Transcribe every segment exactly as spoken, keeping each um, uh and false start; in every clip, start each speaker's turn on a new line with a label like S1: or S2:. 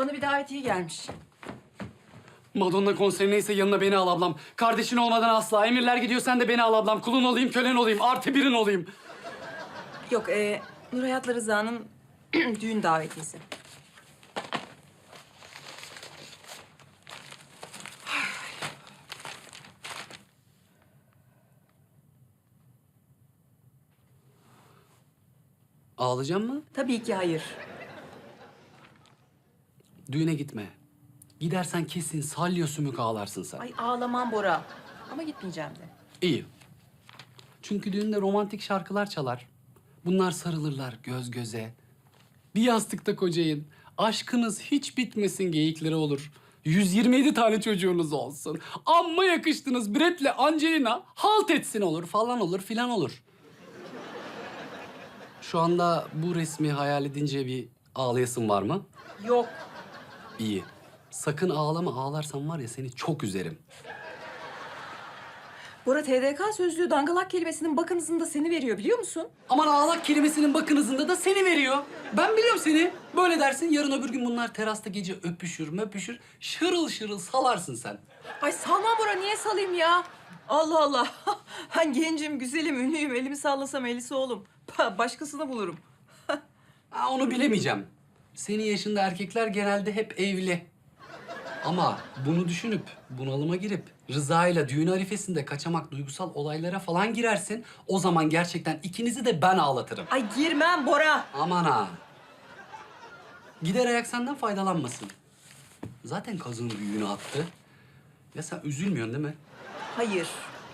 S1: Bana bir davetiye gelmiş.
S2: Madonna konserindeyse yanına beni al ablam. Kardeşin olmadan asla. Emirler gidiyor, sen de beni al ablam. Kulun olayım, kölen olayım. Artı birin olayım.
S1: Yok, e, Nur Hayat'la Rıza'nın düğün davetiyesi.
S2: Ağlayacak mı?
S1: Tabii ki hayır.
S2: Düğüne gitme. Gidersen kesin salya sümük ağlarsın sen.
S1: Ay ağlamam Bora. Ama gitmeyeceğim de.
S2: İyi. Çünkü düğünde romantik şarkılar çalar. Bunlar sarılırlar göz göze. Bir yastıkta kocayın. Aşkınız hiç bitmesin geyikleri olur. yüz yirmi yedi tane çocuğunuz olsun. Amma yakıştınız Brett'le Angelina halt etsin olur falan olur filan olur. Şu anda bu resmi hayal edince bir ağlayasın var mı?
S1: Yok.
S2: İyi. Sakın ağlama, ağlarsan var ya seni çok üzerim.
S1: Bora T D K sözlüğü dangalak kelimesinin bakınızında seni veriyor biliyor musun?
S2: Aman ağlak kelimesinin bakınızında da seni veriyor. Ben biliyorum seni. Böyle dersin, yarın öbür gün bunlar terasta gece öpüşür möpüşür. Şırıl şırıl salarsın sen.
S1: Ay salma Bora, niye salayım ya? Allah Allah. Ben gencim, güzelim, ünlüyüm. Elimi sallasam elisi oğlum. Başkasını bulurum.
S2: Ha, onu bilemeyeceğim. Senin yaşında erkekler genelde hep evli. Ama bunu düşünüp bunalıma girip Rıza'yla düğün arifesinde kaçamak duygusal olaylara falan girersin. O zaman gerçekten ikinizi de ben ağlatırım.
S1: Ay girmem Bora.
S2: Aman ha. Gider ayak senden faydalanmasın. Zaten kazığın büyüğünü attı. Ya sen üzülmüyorsun değil mi?
S1: Hayır.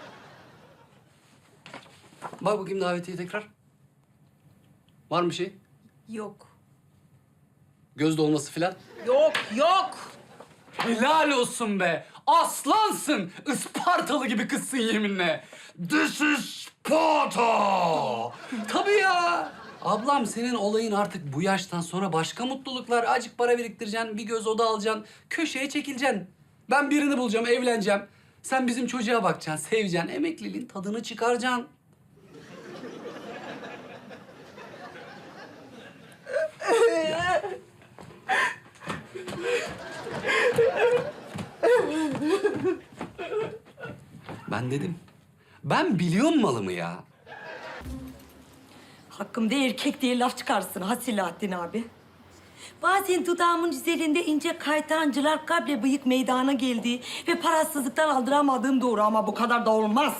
S2: Bak bakayım davetiye tekrar. Var mı bir şey?
S1: Yok.
S2: Göz dolması falan.
S1: Yok, yok.
S2: Helal olsun be. Aslansın. Ispartalı gibi kızsın yeminle. This is Sparta. Tabii ya. Ablam senin olayın artık bu yaştan sonra başka mutluluklar. Acık para biriktireceksin, bir göz oda alacaksın, köşeye çekileceksin. Ben birini bulacağım, evleneceğim. Sen bizim çocuğa bakacaksın, seveceksin, emekliliğin tadını çıkaracaksın. Ben dedim. Ben biliyorum malımı ya.
S3: Hakkımda erkek diye laf çıkarsın ha Selahattin abi. Bazen dudağımın üzerinde ince kaytancılar kable bıyık meydana geldi ve parasızlıktan aldıramadığım doğru ama bu kadar da olmaz.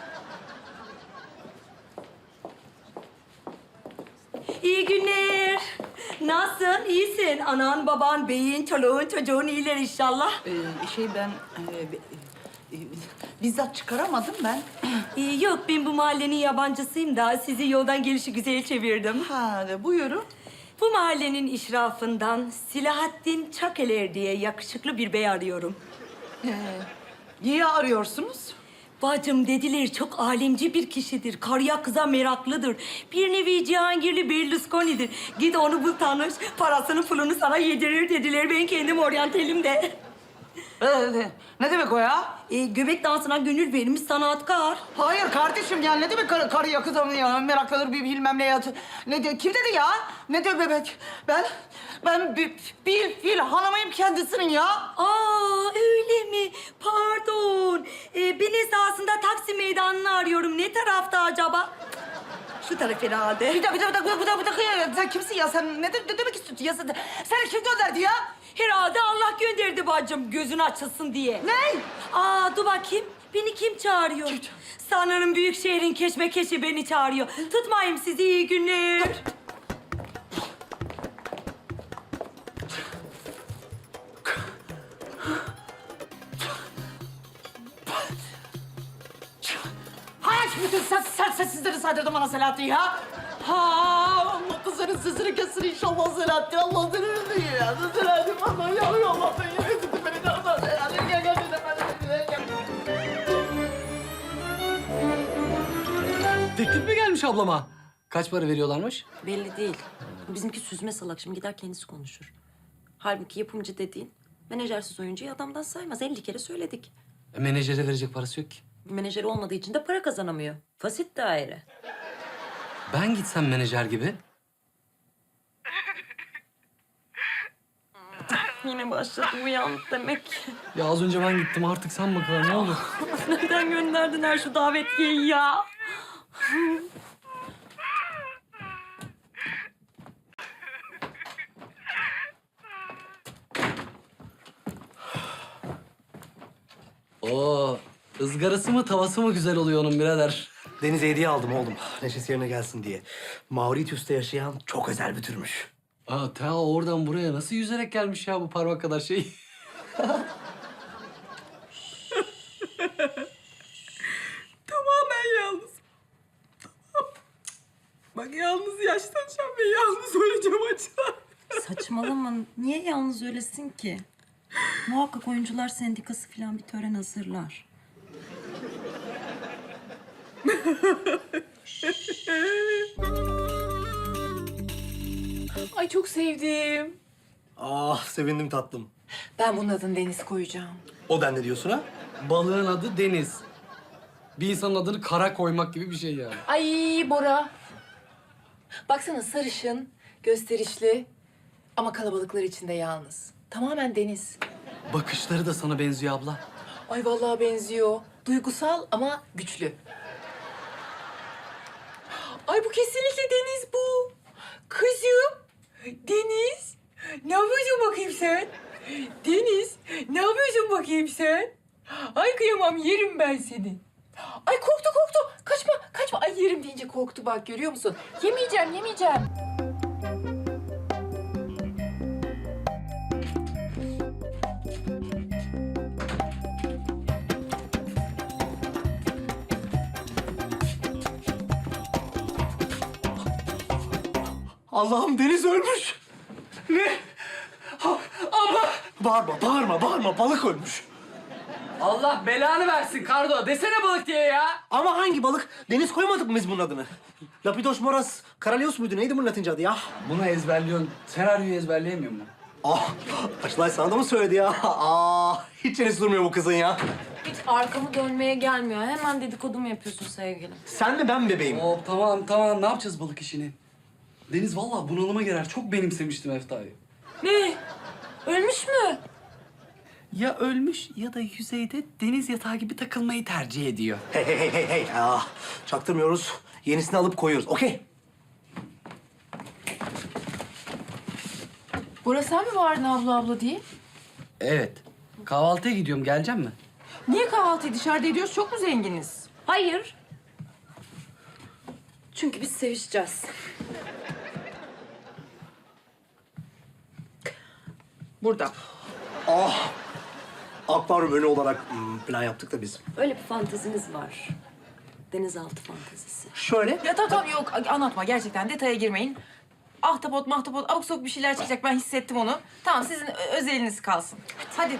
S3: İyi günler. Nasılsın? İyisin. Anan, baban, beyin, çoluğun, çocuğun iyiler inşallah.
S4: Ee, şey ben e, e, bizzat çıkaramadım ben.
S3: Ee, yok, ben bu mahallenin yabancısıyım da sizi yoldan gelişi güzel çevirdim.
S4: Ha buyurun.
S3: Bu mahallenin işrafından Selahattin Çakeler diye yakışıklı bir bey arıyorum.
S4: Ee, niye arıyorsunuz?
S3: Bacım dediler çok alemci bir kişidir. Karıya kıza meraklıdır. Bir nevi Cihangirli Berlusconi'dir. Git onu bul tanış. Parasını pulunu sana yedirir dediler. Ben kendim oryantelim de.
S4: Ee, ne demek o ya?
S3: E, göbek dansına gönül vermiş sanatkar.
S4: Hayır kardeşim ya ne demek karı, karı yakın ya meraklanır bir bilmem ne ya. Ne de kim dedi ya? Ne diyor bebek? Ben ben bir, bir fil hanımıyım kendisinin ya.
S3: Aa öyle mi? Pardon. E, ben esasında Taksim Meydanı'nı arıyorum. Ne tarafta acaba? Şu taraf herhalde.
S4: Bir dakika bir dakika bir dakika bir dakika ya. Sen kimsin ya? Sen ne, de, ne demek istiyorsun ya? Sen, sen kim gönderdi ya?
S3: Herhalde Allah gönderdi bacım gözün açılsın diye.
S4: Ne?
S3: Aa dur bakayım. Beni kim çağırıyor?
S4: Kim?
S3: Sanırım büyük şehrin keşmekeşi beni çağırıyor. Tutmayayım sizi, iyi günler.
S4: Hayır bütün ses, ses, sessizleri saydırdım bana Selahattin ya. Ha, Allah kızların sesini kesin inşallah Selahattin. Allah seni öldü ya. Selahattin bana ya Allah beni yine tuttu beni de Allah Selahattin. Gel gel gel gel.
S2: Teklif mi gelmiş ablama? Kaç para veriyorlarmış?
S5: Belli değil. Bizimki süzme salak. Şimdi gider kendisi konuşur. Halbuki yapımcı dediğin menajersiz oyuncuyu adamdan saymaz. elli kere söyledik.
S2: E, menajere verecek parası yok ki.
S5: Menajeri olmadığı için de para kazanamıyor. Fasit daire.
S2: Ben gitsem menajer gibi.
S5: başladım uyandı demek.
S2: Ya az önce ben gittim, artık sen bakalım ne olur.
S5: Neden gönderdin her şu davetiyeyi ya?
S2: Oo, ızgarası mı tavası mı güzel oluyor onun birader.
S6: Denize hediye aldım oğlum. Neşesi yerine gelsin diye. Mauritius'ta yaşayan çok özel bir türmüş.
S2: Aa, ta oradan buraya nasıl yüzerek gelmiş ya bu parmak kadar şey?
S1: Tamamen yalnız. Bak yalnız yaşlanacağım ve yalnız öleceğim açılan.
S5: Saçmalama. Niye yalnız öylesin ki? Muhakkak oyuncular sendikası falan bir tören hazırlar.
S7: Ay çok sevdim.
S6: Ah sevindim tatlım.
S7: Ben bunun adını Deniz koyacağım.
S6: O den ne diyorsun ha?
S2: Balığın adı Deniz. Bir insanın adını kara koymak gibi bir şey yani.
S7: Ay Bora. Baksana sarışın, gösterişli ama kalabalıklar içinde yalnız. Tamamen Deniz.
S2: Bakışları da sana benziyor abla.
S7: Ay vallahi benziyor. Duygusal ama güçlü. Ay bu kesinlikle Deniz bu. Kızım, Deniz. Ne yapıyorsun bakayım sen? Deniz, ne yapıyorsun bakayım sen? Ay kıyamam, yerim ben seni. Ay korktu korktu. Kaçma, kaçma. Ay yerim deyince korktu bak, görüyor musun? Yemeyeceğim, yemeyeceğim.
S6: Allah'ım Deniz ölmüş. Ne? Ha, abla! Bağırma, bağırma, bağırma. Balık ölmüş.
S2: Allah belanı versin Kardo. Desene balık diye ya.
S6: Ama hangi balık? Deniz koymadık mı biz bunun adını? Lapidos moras caralios muydu? Neydi bunun Latince adı ya?
S2: Bunu ezberliyorsun. Senaryoyu ezberleyemiyor mu?
S6: Ah, Açılay sana da mı söyledi ya? Ah, hiç çenesi durmuyor bu kızın ya.
S5: Hiç arkamı dönmeye gelmiyor. Hemen dedikodu mu yapıyorsun sevgilim?
S6: Sen mi ben mi bebeğim?
S2: Hop tamam tamam. Ne yapacağız balık işini? Deniz vallahi bunalıma girer. Çok benimsemiştim Efta'yı.
S5: Ne? Ölmüş mü?
S2: Ya ölmüş ya da yüzeyde deniz yatağı gibi takılmayı tercih ediyor.
S6: Hey hey hey hey hey. Ah, çaktırmıyoruz. Yenisini alıp koyuyoruz. Okey.
S7: Bora sen mi vardın abla abla diye?
S2: Evet. Kahvaltıya gidiyorum. Gelecek mi?
S1: Niye kahvaltıyı dışarıda ediyoruz? Çok mu zenginiz?
S5: Hayır. Çünkü biz sevişeceğiz.
S1: Burada.
S6: Ah, akvaryum önü olarak hmm, plan yaptık da biz.
S5: Öyle bir fantezimiz var. Denizaltı fantezisi.
S6: Şöyle.
S1: Ya tamam tamam yok anlatma gerçekten detaya girmeyin. Ahtapot mahtapot abuk sabuk bir şeyler çıkacak ben hissettim onu. Tamam sizin ö- özeliniz kalsın. Hadi.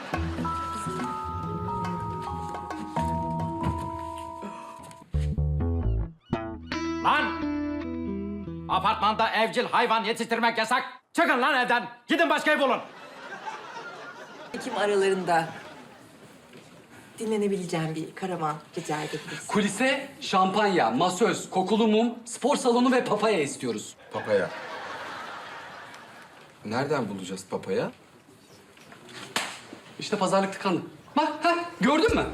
S8: Lan! Apartmanda evcil hayvan yetiştirmek yasak. Çıkın lan evden. Gidin başka ev bulun.
S7: Ekim aralarında dinlenebileceğim bir karavan rica edebiliriz.
S2: Kulise şampanya, masöz, kokulu mum, spor salonu ve papaya istiyoruz.
S9: Papaya. Nereden bulacağız papaya?
S2: İşte pazarlık tıkandı. Bak, ha, gördün mü?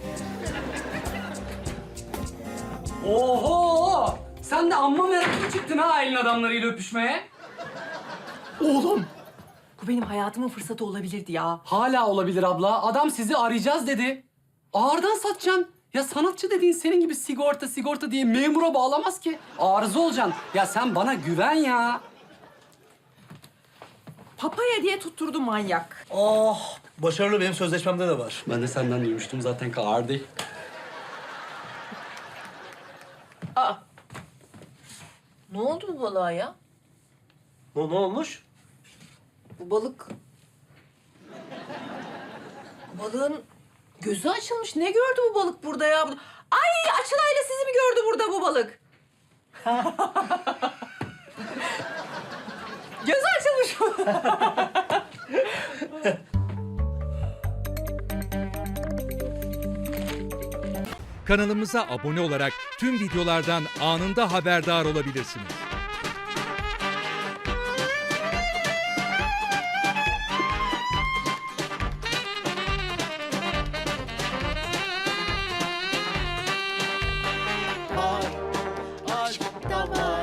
S2: Oho! Sen de amma meraklı çıktın ha elin adamlarıyla öpüşmeye.
S6: Oğlum.
S7: Bu benim hayatımın fırsatı olabilirdi ya.
S2: Hala olabilir abla. Adam sizi arayacağız dedi. Ağırdan satacaksın. Ya sanatçı dediğin senin gibi sigorta sigorta diye memura bağlamaz ki. Arıza olacaksın. Ya sen bana güven ya.
S1: Papaya diye tutturdu manyak.
S6: Ah, başarılı benim sözleşmemde de var.
S2: Ben de senden duymuştum zaten Kardi.
S7: Aa. Ne oldu bu balığa ya?
S6: Ne, ne olmuş?
S7: Bu balık... Balığın gözü açılmış. Ne gördü bu balık burada ya? Ay Açılay'la sizi mi gördü burada bu balık? Gözü açılmış.
S10: Kanalımıza abone olarak tüm videolardan anında haberdar olabilirsiniz.